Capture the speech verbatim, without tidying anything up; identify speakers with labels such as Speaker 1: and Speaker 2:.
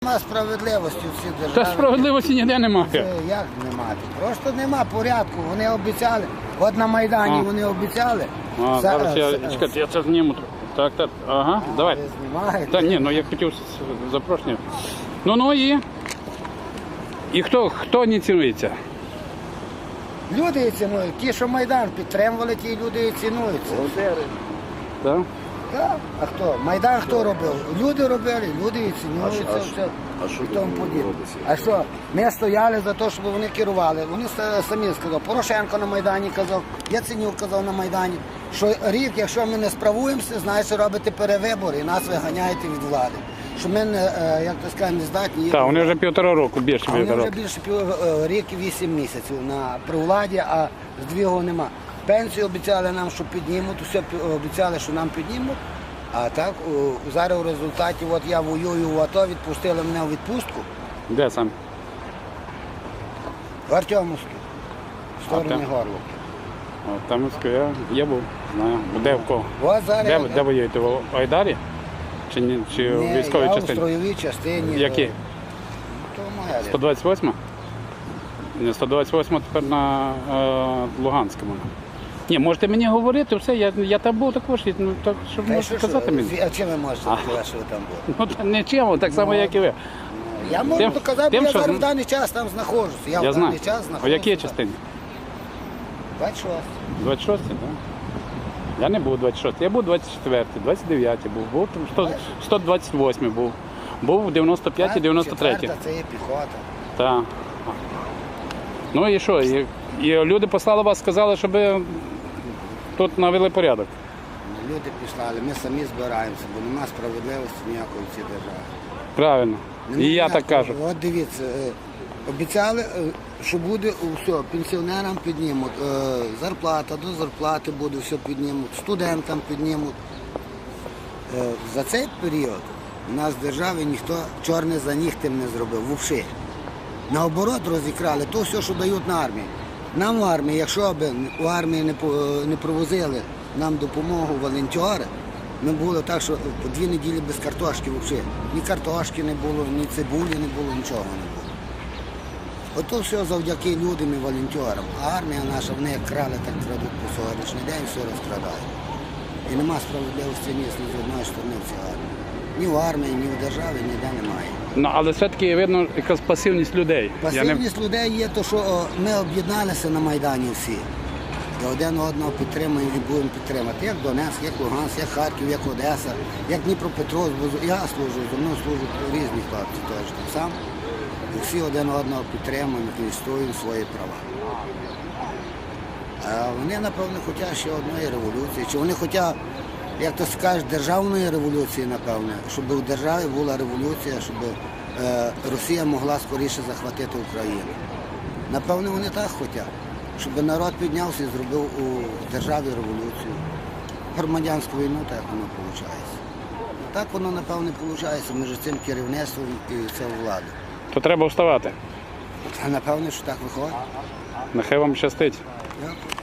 Speaker 1: Нема справедливості в цій державі.
Speaker 2: Та справедливості ніде немає.
Speaker 1: Це як немає? Просто нема порядку. Вони обіцяли. От на Майдані
Speaker 2: А.
Speaker 1: вони обіцяли.
Speaker 2: А,
Speaker 1: За-
Speaker 2: зараз я,
Speaker 1: за-
Speaker 2: чекайте, я це зніму. Так, так, ага,
Speaker 1: А,
Speaker 2: давай.
Speaker 1: ви знімаєте?
Speaker 2: Так, ні, ну я хотів з- запрошення. Ну, ну і? І хто, хто не цінується?
Speaker 1: Люди її цінують. Ті, що Майдан підтримували, ті люди і цінуються.
Speaker 2: Так?
Speaker 1: Так. А хто? Майдан хто робив? Люди робили, люди і цінуються. все.
Speaker 3: а що
Speaker 1: І
Speaker 3: тут
Speaker 1: тому подібне.
Speaker 3: робиться?
Speaker 1: А що? Ми стояли за те, щоб вони керували. Вони с- самі сказали. Порошенко на Майдані казав, Яценюк казав на Майдані, що рік, якщо ми не справуємося, значить робите перевибори і нас виганяєте від влади. Що ми, не, е, як то сказати, не здатні.
Speaker 2: Так, вони вже півтора року, більше
Speaker 1: А вони
Speaker 2: півтора
Speaker 1: вже
Speaker 2: року.
Speaker 1: більше пів, е, рік і вісім місяців на при владі, а здвігу нема. Пенсію обіцяли нам, що піднімуть, все пі- обіцяли, що нам піднімуть. А так у- зараз у результаті, от я воюю в АТО, відпустили мене у відпустку
Speaker 2: Де сам?
Speaker 1: в Артемовську, в стороні
Speaker 2: А, так.
Speaker 1: Горловки.
Speaker 2: О, там я, я був, знаю. Де в кого?
Speaker 1: От зараз
Speaker 2: Де,
Speaker 1: я-
Speaker 2: де воюєте? В Айдарі? Чи, ні, чи в
Speaker 1: Ні,
Speaker 2: військовій
Speaker 1: я у
Speaker 2: частині?
Speaker 1: строєвій частині.
Speaker 2: Які?
Speaker 1: е, То моя
Speaker 2: сто двадцять восьма? Ні, сто двадцять восьма тепер на е, Луганському. Ні, можете мені говорити, все, я, я там був також, ну, так, щоб
Speaker 1: Та й
Speaker 2: можете
Speaker 1: що,
Speaker 2: сказати
Speaker 1: що,
Speaker 2: мені.
Speaker 1: А чим ви можете сказати, що ви там були?
Speaker 2: Ну, та нічим, так само, як і ви.
Speaker 1: Я можу
Speaker 2: Тим-
Speaker 1: доказати,
Speaker 2: тим,
Speaker 1: бо я
Speaker 2: що-
Speaker 1: зараз в даний час там знаходжуся. Я,
Speaker 2: Я
Speaker 1: в даний
Speaker 2: знаю.
Speaker 1: час
Speaker 2: У
Speaker 1: знаходжуся.
Speaker 2: якій частині?
Speaker 1: двадцять шостий.
Speaker 2: двадцять шостій, так? Я не був двадцять шостий, я був двадцять четвертий, двадцять дев'ятий був, був там сто, сто двадцять восьмий був, був дев'яносто п'ятий, дев'яносто третій.
Speaker 1: Четверта, це є піхота.
Speaker 2: Так. Ну і що? І, і люди послали вас, сказали, щоб ви тут навели порядок.
Speaker 1: Люди пішли, ми самі збираємося, бо немає справедливості ніякої в цій державі.
Speaker 2: Правильно.
Speaker 1: Нема
Speaker 2: І я так
Speaker 1: ніякого.
Speaker 2: кажу.
Speaker 1: От дивіться, е, обіцяли, е, що буде все, пенсіонерам піднімуть, е, зарплата, до зарплати буде, все піднімуть, студентам піднімуть. Е, За цей період у нас в державі ніхто чорне за нігтем не зробив, взагалі. Наоборот, розікрали то все, що дають на армію. Нам в армії, якщо б у армії не, по- не провозили нам допомогу волонтери, ми було так, що по дві неділі без картошки взагалі. Ні картошки не було, ні цибулі не було, нічого не було. Ото все завдяки людям і волонтерам. А армія наша, вони як крали, так крадуть по сьогоднішній день, все розкрадають. І нема справедливості ні з одної сторони в цій армії. Ні в армії, ні в державі, ніде немає.
Speaker 2: Ну, але все-таки видно якась пасивність людей. Я не...
Speaker 1: Пасивність людей є те, що о, ми об'єдналися на Майдані всі. І один одного підтримуємо і будемо підтримати. Як Донецьк, як Луганськ, як Харків, як Одеса, як Дніпропетровськ. Бо я служу, зі мною служать різні хлопці теж так само. І всі один одного підтримуємо і відстоюємо свої права. А вони, напевно, хочуть ще одної революції. Чи вони хочуть, як то скажуть, державної революції, напевне, щоб у державі була революція, щоб е, Росія могла скоріше захватити Україну. Напевно, вони так хочуть, щоб народ піднявся і зробив у державі революцію. Громадянську війну, так воно виходить. Так воно, напевно, виходить між цим керівництвом і цією владою.
Speaker 2: То треба вставати.
Speaker 1: А напевно, що так виходить.
Speaker 2: Нехай вам щастить.
Speaker 1: Дякую.